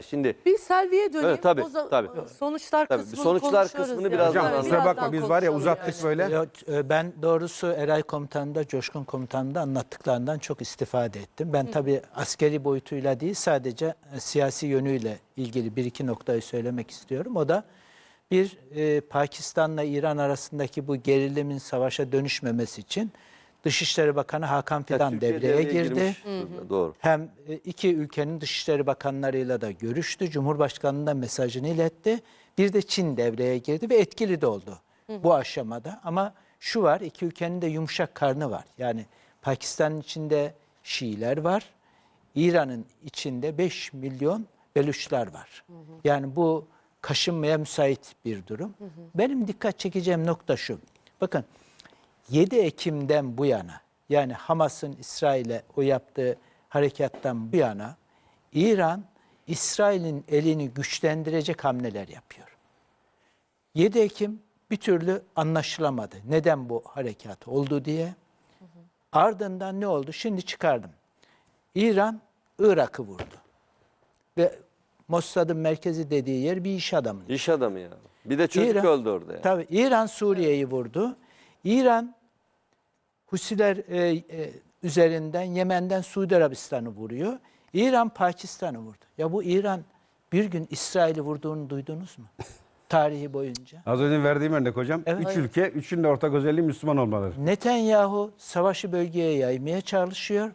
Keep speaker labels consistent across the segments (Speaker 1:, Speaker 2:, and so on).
Speaker 1: Şimdi
Speaker 2: Bir Selvi'ye döneyim.
Speaker 1: evet, tabii,
Speaker 2: O
Speaker 1: tabii.
Speaker 2: Sonuçlar
Speaker 1: Tabii,
Speaker 2: kısmını
Speaker 1: sonuçlar
Speaker 2: konuşuyoruz
Speaker 1: kısmını
Speaker 2: yani.
Speaker 1: birazdan
Speaker 3: Hocam kusura
Speaker 1: anlatacağım.
Speaker 3: bakma biz var ya uzattık
Speaker 2: konuşalım
Speaker 3: böyle.
Speaker 2: yani.
Speaker 4: Yok, ben doğrusu Eray Komutanı'nda, Coşkun Komutanı'nda anlattıklarından çok istifade ettim. Ben tabii askeri boyutuyla değil, sadece siyasi yönüyle ilgili bir iki noktayı söylemek istiyorum. O da bir, Pakistan'la İran arasındaki bu gerilimin savaşa dönüşmemesi için Dışişleri Bakanı Hakan Fidan
Speaker 1: Türkiye
Speaker 4: devreye girdi.
Speaker 1: girmiş durumda, doğru.
Speaker 4: Hem iki ülkenin dışişleri bakanlarıyla da görüştü. Cumhurbaşkanı'na mesajını iletti. Bir de Çin devreye girdi ve etkili de oldu bu aşamada. Ama şu var, iki ülkenin de yumuşak karnı var. Yani Pakistan'ın içinde Şiiler var. İran'ın içinde 5 milyon Beluşlar var. Yani bu kaşınmaya müsait bir durum. Benim dikkat çekeceğim nokta şu. Bakın 7 Ekim'den bu yana, yani Hamas'ın İsrail'e o yaptığı harekattan bu yana İran, İsrail'in elini güçlendirecek hamleler yapıyor. 7 Ekim bir türlü anlaşılamadı. Neden bu harekat oldu diye. Ardından ne oldu? Şimdi çıkardım. İran, Irak'ı vurdu. Ve Mossad'ın merkezi dediği yer bir iş adamı.
Speaker 1: İş adamı ya. Bir de çocuk öldü orada ya.
Speaker 4: Tabii İran Suriye'yi vurdu. İran Husiler üzerinden Yemen'den Suudi Arabistan'ı vuruyor. İran Pakistan'ı vurdu. Ya bu İran bir gün İsrail'i vurduğunu duydunuz mu? Tarihi boyunca.
Speaker 3: Az önce verdiğim örnek hocam.
Speaker 4: Evet.
Speaker 3: Üç ülke, üçünün de ortak özelliği Müslüman olmaları.
Speaker 4: Netanyahu savaşı bölgeye yaymaya çalışıyor.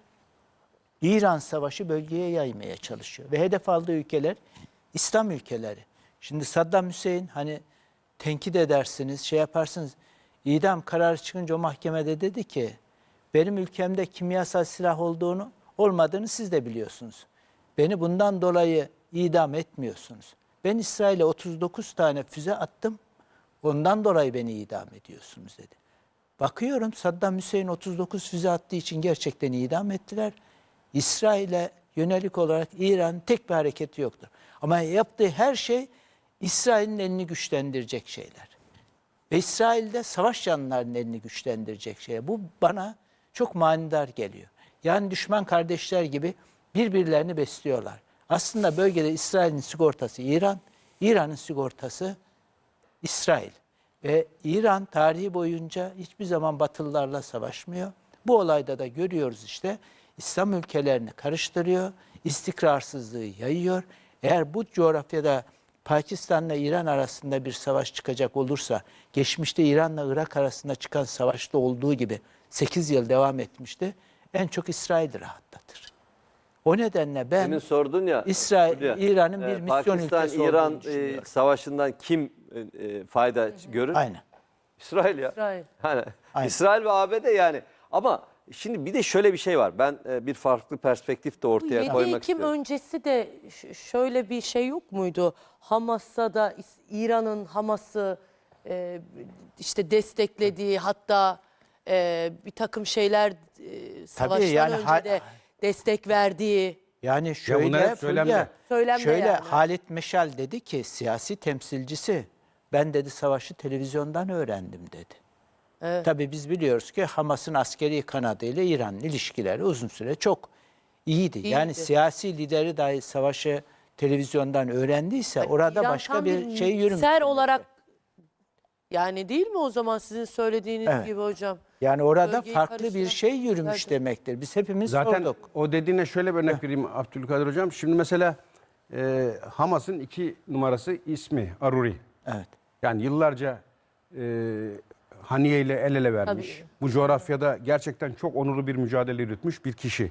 Speaker 4: İran savaşı bölgeye yaymaya çalışıyor. Ve hedef aldığı ülkeler İslam ülkeleri. Şimdi Saddam Hüseyin hani tenkit edersiniz, şey yaparsınız. İdam kararı çıkınca o mahkemede dedi ki benim ülkemde kimyasal silah olmadığını siz de biliyorsunuz. Beni bundan dolayı idam etmiyorsunuz. Ben İsrail'e 39 tane füze attım. Ondan dolayı beni idam ediyorsunuz dedi. Bakıyorum Saddam Hüseyin 39 füze attığı için gerçekten idam ettiler. İsrail'e yönelik olarak İran'ın tek bir hareketi yoktur. Ama yaptığı her şey İsrail'in elini güçlendirecek şeyler. Ve İsrail'de savaş yanlılarının elini güçlendirecek şeyler. Bu bana çok manidar geliyor. Yani düşman kardeşler gibi birbirlerini besliyorlar. Aslında bölgede İsrail'in sigortası İran, İran'ın sigortası İsrail. Ve İran tarihi boyunca hiçbir zaman Batılılarla savaşmıyor. Bu olayda da görüyoruz işte İslam ülkelerini karıştırıyor, istikrarsızlığı yayıyor. Eğer bu coğrafyada Pakistan'la İran arasında bir savaş çıkacak olursa, geçmişte İran'la Irak arasında çıkan savaşta olduğu gibi 8 yıl devam etmişti, en çok İsrail'i rahatlatır. O nedenle ben
Speaker 1: Demin sordun ya.
Speaker 4: İran'ın bir misyon ülkesi
Speaker 1: Pakistan-İran
Speaker 4: olduğunu düşünüyorum.
Speaker 1: savaşından kim fayda görür?
Speaker 4: Aynen.
Speaker 1: İsrail ya.
Speaker 2: İsrail.
Speaker 1: Hani
Speaker 4: Aynen.
Speaker 1: İsrail ve ABD yani. Ama şimdi bir de şöyle bir şey var. Ben bir farklı perspektif de ortaya
Speaker 2: 7
Speaker 1: koymak
Speaker 2: Ekim
Speaker 1: istiyorum.
Speaker 2: öncesi de şöyle bir şey yok muydu? Hamas'a da İran'ın Hamas'ı işte desteklediği hatta bir takım şeyler savaştan
Speaker 4: yani
Speaker 2: önce de destek verdiği.
Speaker 4: Yani
Speaker 3: bunlar
Speaker 4: şöyle,
Speaker 3: hep söylemde.
Speaker 4: Fulya,
Speaker 2: Söylemde
Speaker 4: şöyle
Speaker 2: yani.
Speaker 4: Halit Meşal dedi ki siyasi temsilcisi ben dedi savaşı televizyondan öğrendim dedi.
Speaker 2: Evet.
Speaker 4: Tabii biz biliyoruz ki Hamas'ın askeri kanadıyla İran'ın ilişkileri uzun süre çok iyiydi. Yani siyasi lideri dahi savaşı televizyondan öğrendiyse orada
Speaker 2: İran
Speaker 4: başka
Speaker 2: tam
Speaker 4: bir şey yürümüş.
Speaker 2: ser olarak yani değil mi o zaman sizin söylediğiniz
Speaker 4: Evet.
Speaker 2: gibi hocam?
Speaker 4: Yani orada
Speaker 2: Bölgeyi
Speaker 4: farklı bir
Speaker 2: karıştıran-
Speaker 4: şey yürümüş
Speaker 2: Evet.
Speaker 4: demektir. Biz hepimiz
Speaker 3: Zaten
Speaker 4: sorduk.
Speaker 3: o dediğine şöyle bir örnek vereyim Abdülkadir hocam. Şimdi mesela Hamas'ın 2 numarası ismi Aruri.
Speaker 4: Evet.
Speaker 3: Yani yıllarca Haniye ile el ele vermiş.
Speaker 2: Tabii.
Speaker 3: Bu coğrafyada gerçekten çok onurlu bir mücadele yürütmüş bir kişi.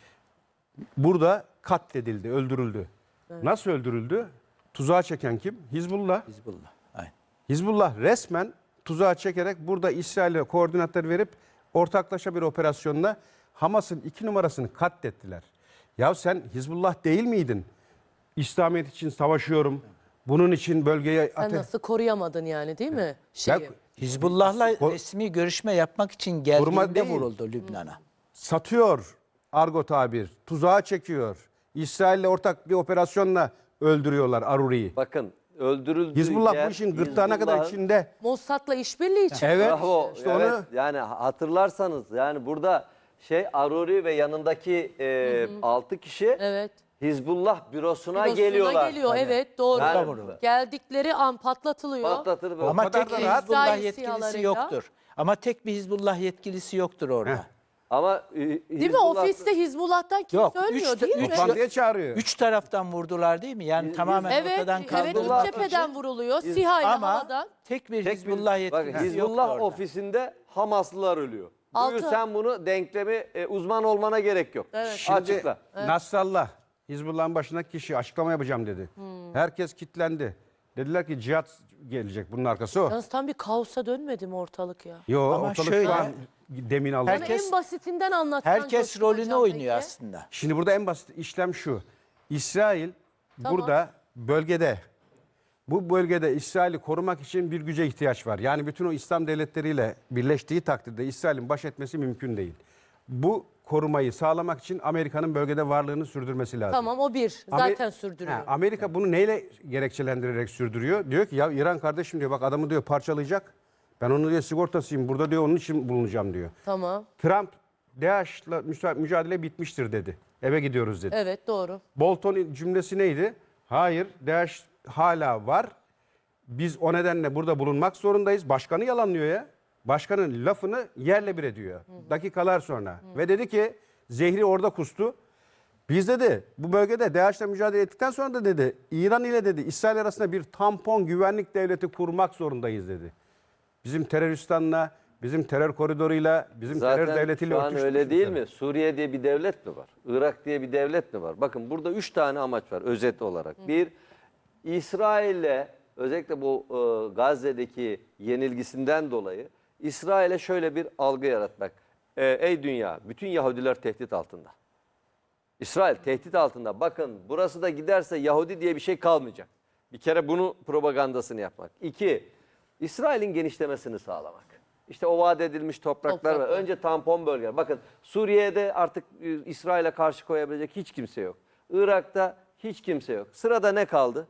Speaker 3: Burada katledildi, öldürüldü. Nasıl öldürüldü? Tuzağa çeken kim? Hizbullah.
Speaker 4: Hizbullah. Aynen.
Speaker 3: Hizbullah resmen tuzağa çekerek burada İsrail'e koordinatları verip ortaklaşa bir operasyonla Hamas'ın 2 numarasını katlettiler. Ya sen Hizbullah değil miydin? İslamiyet için savaşıyorum. Bunun için bölgeye
Speaker 2: Sen nasıl koruyamadın yani değil mi? Şeyi.
Speaker 4: Hizbullah'la resmi görüşme yapmak için geldiğinde
Speaker 3: değil.
Speaker 4: vuruldu Lübnan'a.
Speaker 3: satıyor argo tabir. Tuzağa çekiyor. İsrail'le ortak bir operasyonla öldürüyorlar Aruri'yi.
Speaker 1: Bakın öldürüldüğü
Speaker 3: Hizbullah
Speaker 1: yer,
Speaker 3: bu işin gırtlağına kadar
Speaker 1: Hizbullah'ın-
Speaker 3: içinde.
Speaker 2: Mossad'la işbirliği için.
Speaker 3: Evet.
Speaker 1: Bravo.
Speaker 3: İşte
Speaker 1: evet.
Speaker 3: onu
Speaker 1: Yani hatırlarsanız yani burada Aruri ve yanındaki 6 kişi
Speaker 2: Evet.
Speaker 1: Hizbullah bürosuna
Speaker 2: Bürosuna
Speaker 1: geliyorlar.
Speaker 2: geliyor, evet doğru.
Speaker 1: Yani-
Speaker 2: Geldikleri an patlatılıyor.
Speaker 1: Patlatır böyle.
Speaker 4: Ama
Speaker 3: kadar
Speaker 4: tek
Speaker 3: da
Speaker 4: bir
Speaker 3: rahat.
Speaker 4: Hizbullah
Speaker 2: İsrail
Speaker 4: yetkilisi
Speaker 2: sihalarıyla.
Speaker 4: yoktur. Ama tek bir Hizbullah yetkilisi yoktur orada.
Speaker 3: Heh.
Speaker 1: Ama
Speaker 2: Değil mi? Ofiste Hizbullah'tan kimse
Speaker 4: Yok,
Speaker 2: ölmüyor
Speaker 4: üç-
Speaker 2: değil mi?
Speaker 4: üç-
Speaker 3: Toplantıya çağırıyor.
Speaker 4: Üç taraftan vurdular değil mi? Yani tamamen
Speaker 2: Evet,
Speaker 4: ortadan
Speaker 2: evet
Speaker 4: kaldırılmak
Speaker 2: üç cepheden
Speaker 4: için.
Speaker 2: vuruluyor. SİHA ile
Speaker 4: Ama
Speaker 2: havadan.
Speaker 4: tek bir
Speaker 1: Tek
Speaker 4: Hizbullah
Speaker 1: bir, bak,
Speaker 4: yetkilisi yoktu
Speaker 1: Hizbullah
Speaker 4: orada.
Speaker 1: ofisinde Hamaslılar ölüyor.
Speaker 2: Altı.
Speaker 1: Buyur sen bunu denklemi uzman olmana gerek yok.
Speaker 2: Evet.
Speaker 3: Şimdi
Speaker 1: Açıkla.
Speaker 3: Nasrallah Hizbullah'ın başındaki kişi açıklama yapacağım dedi. Herkes kitlendi. Dediler ki cihat gelecek, bunun arkası o.
Speaker 2: Yalnız tam bir kaosa dönmedi mi ortalık ya?
Speaker 3: Yo,
Speaker 4: Ama
Speaker 3: ortalık
Speaker 4: şöyle-
Speaker 3: şu an demin aldı.
Speaker 2: Bana
Speaker 4: Herkes-
Speaker 2: en basitinden anlatsan
Speaker 4: Herkes
Speaker 2: Coşkun
Speaker 4: rolünü
Speaker 2: Hocam
Speaker 4: oynuyor
Speaker 2: peki.
Speaker 4: aslında.
Speaker 3: Şimdi burada en basit işlem şu. İsrail burada bölgede, bu bölgede İsrail'i korumak için bir güce ihtiyaç var. Yani bütün o İslam devletleriyle birleştiği takdirde İsrail'in baş etmesi mümkün değil. Bu korumayı sağlamak için Amerika'nın bölgede varlığını sürdürmesi lazım.
Speaker 2: Tamam o bir. Zaten sürdürüyor.
Speaker 3: Amerika bunu neyle gerekçelendirerek sürdürüyor? Diyor ki ya İran kardeşim diyor, bak adamı diyor parçalayacak. Ben onun diyor sigortasıyım. Burada diyor onun için bulunacağım diyor.
Speaker 2: Tamam.
Speaker 3: Trump DAEŞ'la mücadele bitmiştir dedi. Eve gidiyoruz dedi.
Speaker 2: Evet doğru.
Speaker 3: Bolton'un cümlesi neydi? Hayır, DAEŞ hala var. Biz o nedenle burada bulunmak zorundayız. Başkanı yalanlıyor ya. Başkanın lafını yerle bir ediyor. Dakikalar sonra. Ve dedi ki zehri orada kustu. Biz dedi bu bölgede DAEŞ'le mücadele ettikten sonra da dedi İran ile dedi İsrail arasında bir tampon güvenlik devleti kurmak zorundayız dedi. Bizim teröristanla, bizim terör koridoruyla, bizim terör
Speaker 1: Zaten
Speaker 3: devletiyle
Speaker 1: şu an
Speaker 3: örtüşmüş
Speaker 1: öyle değil
Speaker 3: mesela.
Speaker 1: mi? Suriye diye bir devlet mi var? Irak diye bir devlet mi var? Bakın burada 3 tane amaç var özet olarak. Bir, İsrail'le özellikle bu Gazze'deki yenilgisinden dolayı İsrail'e şöyle bir algı yaratmak. Ey dünya, bütün Yahudiler tehdit altında. İsrail tehdit altında. Bakın burası da giderse Yahudi diye bir şey kalmayacak. Bir kere bunu propagandasını yapmak. İki, İsrail'in genişlemesini sağlamak. İşte o vaat edilmiş topraklar var. Önce tampon bölgeler. Bakın Suriye'de artık İsrail'e karşı koyabilecek hiç kimse yok. Irak'ta hiç kimse yok. Sırada ne kaldı?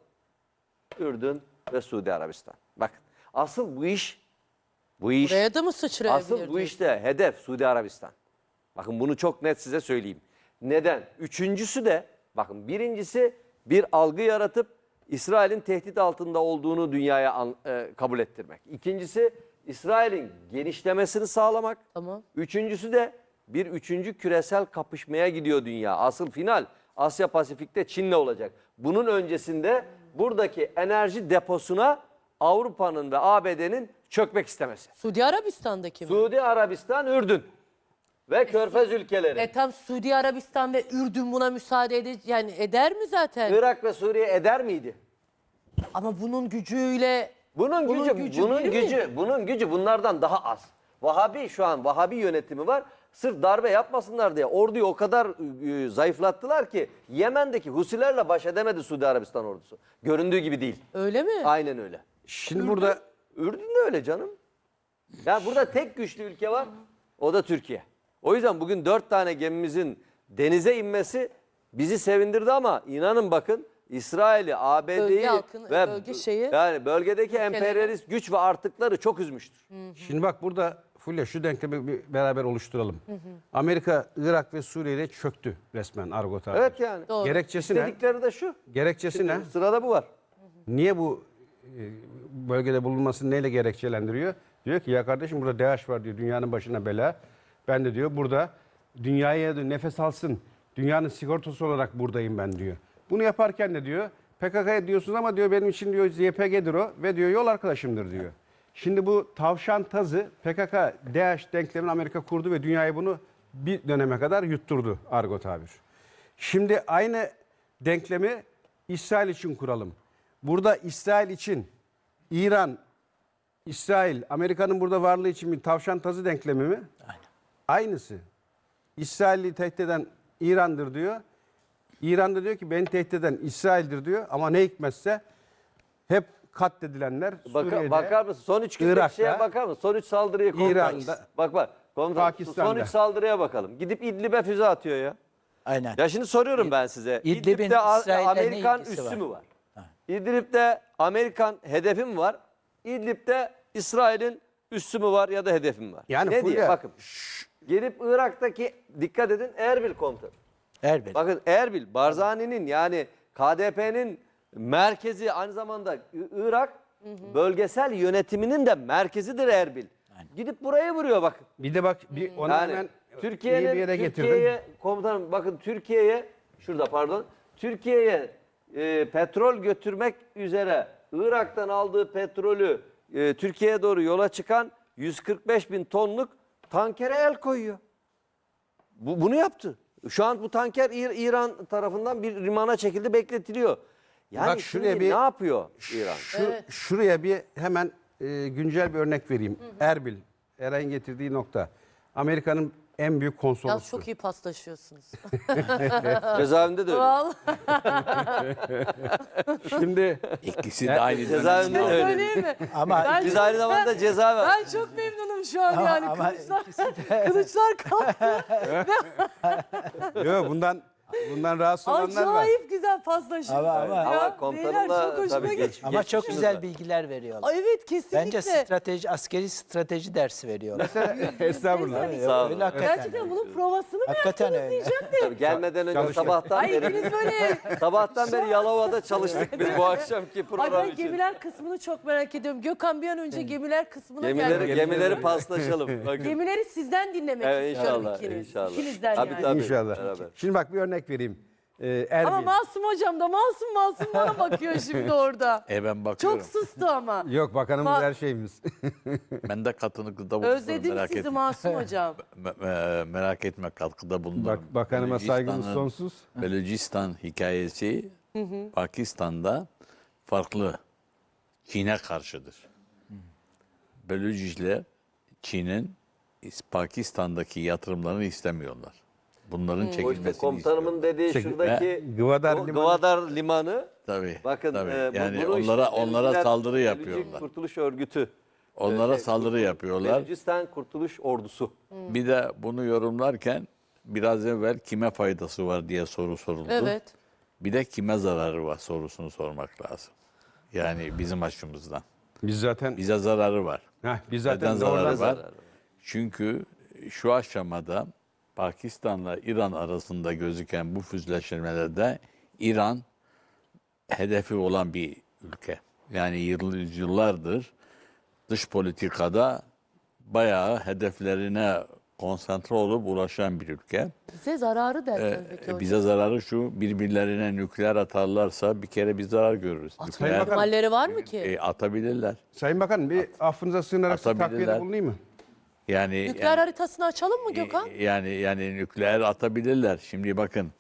Speaker 1: Ürdün ve Suudi Arabistan. Bakın asıl bu iş
Speaker 2: Buraya da mı sıçrayabilir?
Speaker 1: asıl bu
Speaker 2: diyorsun?
Speaker 1: işte hedef Suudi Arabistan. Bakın bunu çok net size söyleyeyim. Neden? Üçüncüsü de bakın birincisi bir algı yaratıp İsrail'in tehdit altında olduğunu dünyaya kabul ettirmek. İkincisi İsrail'in genişlemesini sağlamak.
Speaker 2: Tamam.
Speaker 1: Üçüncüsü de bir üçüncü küresel kapışmaya gidiyor dünya. Asıl final Asya Pasifik'te Çin'le olacak. Bunun öncesinde buradaki enerji deposuna Avrupa'nın ve ABD'nin çökmek istemesi.
Speaker 2: Suudi Arabistan'daki mi?
Speaker 1: Suudi Arabistan, Ürdün ve Körfez ülkeleri.
Speaker 2: Tam Suudi Arabistan ve Ürdün buna müsaade yani eder mi zaten?
Speaker 1: Irak ve Suriye eder miydi?
Speaker 2: Ama bunun gücüyle
Speaker 1: Bunun gücü bunlardan daha az. Vahabi yönetimi var. Sırf darbe yapmasınlar diye orduyu o kadar zayıflattılar ki Yemen'deki Husilerle baş edemedi Suudi Arabistan ordusu. Göründüğü gibi değil.
Speaker 2: öyle mi?
Speaker 1: Aynen öyle.
Speaker 3: Şimdi burada
Speaker 1: Ürdün de öyle canım. Ya burada tek güçlü ülke var. O da Türkiye. O yüzden bugün 4 tane gemimizin denize inmesi bizi sevindirdi ama inanın bakın İsrail'i, ABD'yi
Speaker 2: Bölge halkını,
Speaker 1: ve
Speaker 2: bölge şeyi-
Speaker 1: yani bölgedeki emperyalist güç ve artıkları çok üzmüştür.
Speaker 3: Şimdi bak burada Fulya şu denklemi bir beraber oluşturalım. Amerika, Irak ve Suriye'de çöktü resmen Argo tabiri.
Speaker 1: Evet yani.
Speaker 2: Doğru.
Speaker 3: Gerekçesi ne?
Speaker 1: İstedikleri de şu.
Speaker 3: Gerekçesi ne?
Speaker 1: Sırada bu var.
Speaker 3: Niye bu bölgede bulunmasını neyle gerekçelendiriyor? Diyor ki ya kardeşim burada DAEŞ var diyor, dünyanın başına bela. Ben de diyor burada dünyaya da nefes alsın, dünyanın sigortası olarak buradayım ben diyor. Bunu yaparken de diyor PKK'ya diyorsunuz ama diyor benim için diyor YPG'dir o ve diyor yol arkadaşımdır diyor. Şimdi bu tavşan tazı PKK, DAEŞ denklemini Amerika kurdu ve dünyaya bunu bir döneme kadar yutturdu argo tabir. Şimdi aynı denklemi İsrail için kuralım. Burada İsrail için İran, İsrail, Amerika'nın burada varlığı için bir tavşan tazı denklemi mi?
Speaker 4: Aynen.
Speaker 3: Aynısı. İsrail'i tehdit eden İran'dır diyor. İran da diyor ki beni tehdit eden İsrail'dir diyor. Ama ne hikmetse hep katledilenler Suriye'de,
Speaker 1: Bakar mısın? Son 3 gündeki
Speaker 3: Irak'ta,
Speaker 1: şeye bakar mısın? Son 3 saldırıya komutan.
Speaker 3: İran'da,
Speaker 1: Bak komutan.
Speaker 3: Pakistan'da.
Speaker 1: Son 3 saldırıya bakalım. Gidip İdlib'e füze atıyor ya.
Speaker 4: Aynen.
Speaker 1: Ya şimdi soruyorum ben size.
Speaker 4: İdlib'in
Speaker 1: İdlib'de
Speaker 4: İsrail'le ne
Speaker 1: Amerikan
Speaker 4: ilgisi
Speaker 1: üssü
Speaker 4: var?
Speaker 1: mü var? İdlib'de Amerikan hedefi mi var? İdlib'de İsrail'in üssü mü var ya da hedefi mi var?
Speaker 3: Yani
Speaker 1: ne
Speaker 3: Fulya,
Speaker 1: diye bakın. Gelip Irak'taki dikkat edin Erbil komutanı.
Speaker 4: Erbil.
Speaker 1: Bakın Erbil, Barzani'nin yani KDP'nin merkezi, aynı zamanda Irak bölgesel yönetiminin de merkezidir Erbil. Gidip buraya vuruyor bakın.
Speaker 3: Bir de bak onu
Speaker 1: Yani
Speaker 3: hemen iyi bir
Speaker 1: Türkiye'nin
Speaker 3: yere getirdim.
Speaker 1: Türkiye'ye komutanım bakın Türkiye'ye petrol götürmek üzere Irak'tan aldığı petrolü Türkiye'ye doğru yola çıkan 145 bin tonluk tankere el koyuyor. Bunu yaptı. Şu an bu tanker İran tarafından bir limana çekildi, bekletiliyor. Yani
Speaker 3: Bak şuraya
Speaker 1: şimdi
Speaker 3: bir-
Speaker 1: ne yapıyor İran?
Speaker 3: Şuraya bir hemen güncel bir örnek vereyim. Erbil, Eray'ın getirdiği nokta. Amerika'nın en büyük
Speaker 2: Yalnız
Speaker 3: konsolosu.
Speaker 2: çok iyi paslaşıyorsunuz.
Speaker 1: Cezaevinde de öyle.
Speaker 2: Vallahi
Speaker 3: Şimdi
Speaker 5: İkisi de aynı
Speaker 1: Cezaevinde de öyle.
Speaker 2: söyleyeyim mi?
Speaker 4: Ama
Speaker 2: Ben-
Speaker 1: Biz aynı zamanda ceza ver.
Speaker 2: Ben çok memnunum şu an yani.
Speaker 4: ama
Speaker 2: Kılıçlar kalktı.
Speaker 3: yok, bundan rahatsız olanlar var.
Speaker 2: Acayip güzel paslaşıyorsunuz.
Speaker 4: Ama-
Speaker 2: Ya,
Speaker 1: Ama komutanımla
Speaker 2: beyler çok hoşuma
Speaker 1: tabii
Speaker 2: gitti.
Speaker 4: ama çok
Speaker 1: geçmişiniz
Speaker 4: güzel
Speaker 1: var.
Speaker 4: bilgiler veriyorlar.
Speaker 2: Ay, evet kesinlikle.
Speaker 4: Bence askeri strateji dersi veriyorlar.
Speaker 3: Estağfurullah.
Speaker 1: Sağ olun.
Speaker 4: Öyle hakikaten.
Speaker 2: Gerçekten bunun provasını mı
Speaker 4: Hakikaten
Speaker 2: yaptınız
Speaker 4: öyle.
Speaker 2: diyecektim.
Speaker 1: Tabii gelmeden önce
Speaker 3: Çalışıyor.
Speaker 1: sabahtan
Speaker 2: Ay
Speaker 1: beri
Speaker 2: ikiniz böyle...
Speaker 1: sabahtan beri Yalova'da çalıştık biz bu akşamki
Speaker 2: Ay
Speaker 1: program
Speaker 2: ben
Speaker 1: için.
Speaker 2: gemiler kısmını çok merak ediyorum. Gökhan bir an önce gemiler kısmına geldi.
Speaker 1: Gemileri paslaşalım. Bakın.
Speaker 2: Gemileri sizden dinlemek
Speaker 1: Evet,
Speaker 2: istiyorum
Speaker 1: inşallah,
Speaker 2: ikiniz.
Speaker 1: inşallah.
Speaker 2: İkinizden
Speaker 1: Tabii,
Speaker 2: yani.
Speaker 1: tabii.
Speaker 3: İnşallah.
Speaker 1: Beraber.
Speaker 3: Şimdi bak bir örnek vereyim. Erbil.
Speaker 2: Ama Masum hocam da masum bana bakıyor şimdi orada.
Speaker 5: ben bakıyorum.
Speaker 2: Çok sustu ama.
Speaker 3: Yok, bakanımız her şeyimiz.
Speaker 5: Ben de katkıda bulunurum.
Speaker 2: Özledim
Speaker 5: merak
Speaker 2: sizi
Speaker 5: etme.
Speaker 2: Masum hocam.
Speaker 5: Merak etme, katkıda bulunurum.
Speaker 3: Bakanıma saygımız
Speaker 5: Belucistan'ın-
Speaker 3: sonsuz.
Speaker 5: Belucistan hikayesi Pakistan'da farklı. Çin'e karşıdır. Beluciler Çin'in Pakistan'daki yatırımlarını istemiyorlar. Bunların
Speaker 1: O işte
Speaker 5: çekilmesini
Speaker 1: komutanımın dediği
Speaker 3: Çek-
Speaker 1: şuradaki
Speaker 3: Gıvadar Limanı.
Speaker 1: Gıvadar Limanı.
Speaker 5: Tabii.
Speaker 1: Bakın
Speaker 5: tabii. Yani
Speaker 1: bunu işte
Speaker 5: onlara
Speaker 1: Belüciler-
Speaker 5: saldırı
Speaker 1: Belücü
Speaker 5: yapıyorlar.
Speaker 1: Kurtuluş Örgütü.
Speaker 5: Onlara saldırı yapıyorlar.
Speaker 1: Belucistan Kurtuluş Ordusu.
Speaker 5: Bir de bunu yorumlarken biraz evvel kime faydası var diye soru soruldu.
Speaker 2: Evet.
Speaker 5: Bir de kime zararı var sorusunu sormak lazım. Yani bizim açımızdan.
Speaker 3: Biz zaten
Speaker 5: Bize zararı var.
Speaker 3: biz
Speaker 5: Neden
Speaker 3: zaten
Speaker 5: zararı
Speaker 3: doğrudan
Speaker 5: var? Çünkü şu aşamada Pakistan'la İran arasında gözüken bu füzleşmelerde İran hedefi olan bir ülke. Yani yıllardır dış politikada bayağı hedeflerine konsantre olup ulaşan bir ülke.
Speaker 2: Bize zararı derken peki hocam.
Speaker 5: Bize zararı şu, birbirlerine nükleer atarlarsa bir kere bir zarar görürüz.
Speaker 2: Atma
Speaker 5: Nükleer
Speaker 2: ihtimalleri var mı ki?
Speaker 5: atabilirler.
Speaker 3: Sayın Bakanım bir affınıza sığınarak size
Speaker 5: Atabilirler.
Speaker 3: takviyede bulunayım mı?
Speaker 5: Yani
Speaker 2: Nükleer haritasını açalım mı Gökhan?
Speaker 5: yani nükleer atabilirler. Şimdi bakın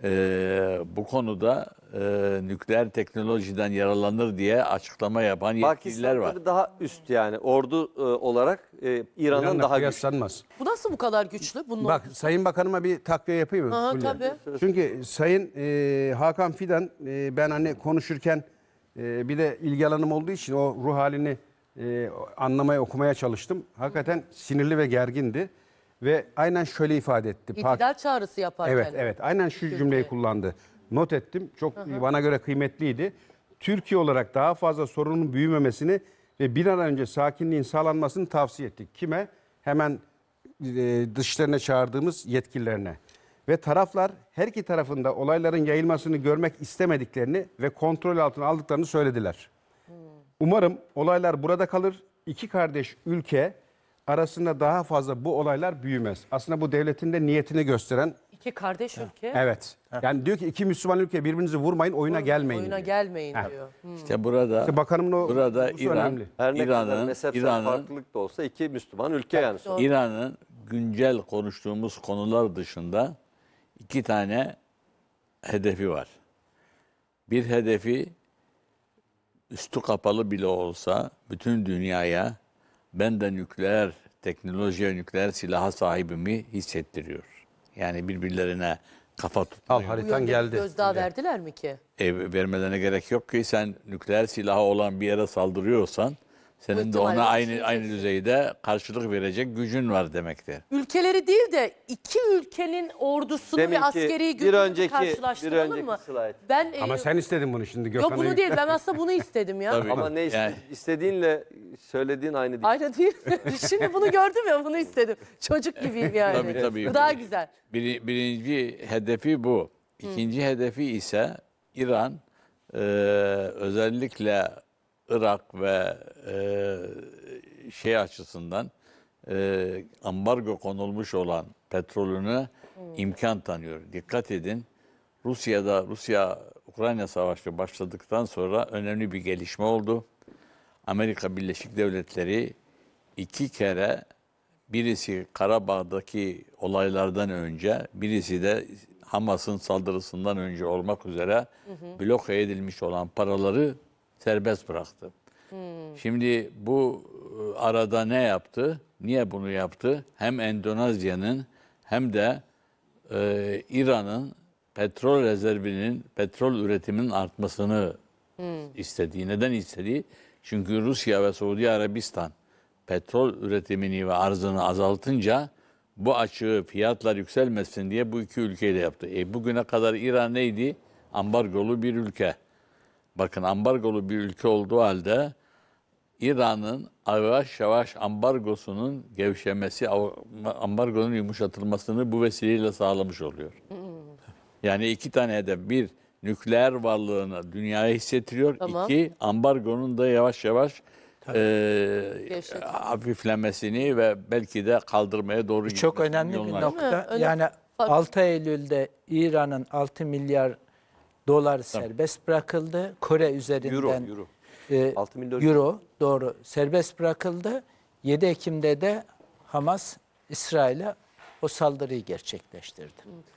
Speaker 5: bu konuda nükleer teknolojiden yararlanır diye açıklama yapan yetkililer
Speaker 1: Pakistan
Speaker 5: var.
Speaker 1: tabii daha üst yani ordu olarak İran'dan
Speaker 3: İran'la
Speaker 1: daha güçlü.
Speaker 3: kıyaslanmaz.
Speaker 2: Bu nasıl bu kadar güçlü? Bunun
Speaker 3: Bak Sayın Bakanıma bir takviye yapayım mı?
Speaker 2: Aha,
Speaker 3: Fulya?
Speaker 2: tabii.
Speaker 3: Çünkü Sayın Hakan Fidan ben hani konuşurken bir de ilgi alanım olduğu için o ruh halini anlamaya okumaya çalıştım. Hakikaten sinirli ve gergindi ve aynen şöyle ifade etti.
Speaker 2: İtidal çağrısı yaparken.
Speaker 3: Evet aynen şu cümleyi kullandı. Not ettim. Çok bana göre kıymetliydi. Türkiye olarak daha fazla sorunun büyümemesini ve bir an önce sakinliğin sağlanmasını tavsiye ettik. Kime? Hemen dışlarına çağırdığımız yetkililerine. Ve taraflar her iki tarafında olayların yayılmasını görmek istemediklerini ve kontrol altına aldıklarını söylediler. Umarım olaylar burada kalır. İki kardeş ülke arasında daha fazla bu olaylar büyümez. Aslında bu devletin de niyetini gösteren.
Speaker 2: İki kardeş ülke.
Speaker 3: Evet. Yani diyor ki iki Müslüman ülke birbirinizi vurmayın, oyuna gelmeyin.
Speaker 2: Oyuna
Speaker 3: diyor.
Speaker 2: gelmeyin
Speaker 3: Ha.
Speaker 2: diyor.
Speaker 5: İşte burada
Speaker 3: İşte bakanımın o
Speaker 5: burada
Speaker 3: vurgusu
Speaker 5: İran
Speaker 3: önemli.
Speaker 1: Her ne kadar
Speaker 5: İran'ın
Speaker 1: mezhepsel farklılık da olsa iki Müslüman ülke yani.
Speaker 2: Doğru.
Speaker 5: İran'ın güncel konuştuğumuz konular dışında iki tane hedefi var. Bir hedefi üstü kapalı bile olsa bütün dünyaya ben de nükleer teknolojiye, nükleer silaha sahibimi hissettiriyor. Yani birbirlerine kafa
Speaker 3: Al
Speaker 5: tutmuyor.
Speaker 2: Bu
Speaker 3: haritan
Speaker 2: yönde
Speaker 3: geldi.
Speaker 2: bir gözdağı verdiler mi ki?
Speaker 5: Vermelerine gerek yok ki sen nükleer silahı olan bir yere saldırıyorsan senin de
Speaker 2: ihtimalle
Speaker 5: ona aynı
Speaker 2: düşüneceksin.
Speaker 5: düzeyde karşılık verecek gücün var demektir.
Speaker 2: Ülkeleri değil de iki ülkenin ordusunu
Speaker 1: Deminki
Speaker 2: ve askeri
Speaker 1: bir
Speaker 2: gücünü
Speaker 1: önceki-
Speaker 2: karşılaştıralım
Speaker 1: bir
Speaker 2: mı?
Speaker 1: önceki slide.
Speaker 2: Ben
Speaker 3: Ama sen istedin bunu şimdi Gökhan'a.
Speaker 2: yok bunu değil. Ben aslında bunu istedim ya.
Speaker 5: Tabii.
Speaker 1: Ama ne
Speaker 5: Yani-
Speaker 1: istediğinle söylediğin aynı değil.
Speaker 2: Aynı değil mi? Şimdi bunu gördüm ya bunu istedim. Çocuk gibiyim yani.
Speaker 5: Tabii.
Speaker 2: Bu daha güzel.
Speaker 5: Birinci hedefi bu. İkinci hedefi ise İran, özellikle Irak ve şey açısından ambargo konulmuş olan petrolüne imkan tanıyor. Dikkat edin. Rusya-Ukrayna Savaşı başladıktan sonra önemli bir gelişme oldu. Amerika Birleşik Devletleri 2 kere, birisi Karabağ'daki olaylardan önce, birisi de Hamas'ın saldırısından önce olmak üzere bloke edilmiş olan paraları serbest bıraktı. Şimdi bu arada ne yaptı? Niye bunu yaptı? Hem Endonezya'nın hem de İran'ın petrol rezervinin, petrol üretiminin artmasını istediği. Neden istediği? Çünkü Rusya ve Suudi Arabistan petrol üretimini ve arzını azaltınca bu açığı, fiyatlar yükselmesin diye bu iki ülkeyle yaptı. Bugüne kadar İran neydi? Ambargolu bir ülke. Bakın ambargolu bir ülke olduğu halde İran'ın yavaş yavaş ambargosunun gevşemesi, ambargonun yumuşatılmasını bu vesileyle sağlamış oluyor. Yani iki tane hedef. Bir, nükleer varlığını dünyaya hissettiriyor.
Speaker 2: Tamam.
Speaker 5: İki, ambargonun da yavaş yavaş
Speaker 2: Gevşet.
Speaker 5: hafiflemesini ve belki de kaldırmaya doğru
Speaker 4: Çok
Speaker 5: gitmesinin
Speaker 4: önemli bir
Speaker 5: yolunu
Speaker 4: nokta.
Speaker 2: Öyle-
Speaker 4: Yani 6 Eylül'de İran'ın 6 milyar dolar serbest bırakıldı. Kore üzerinden
Speaker 1: Euro.
Speaker 4: 6
Speaker 1: milyon
Speaker 4: euro doğru serbest bırakıldı. 7 Ekim'de de Hamas İsrail'e o saldırıyı gerçekleştirdi.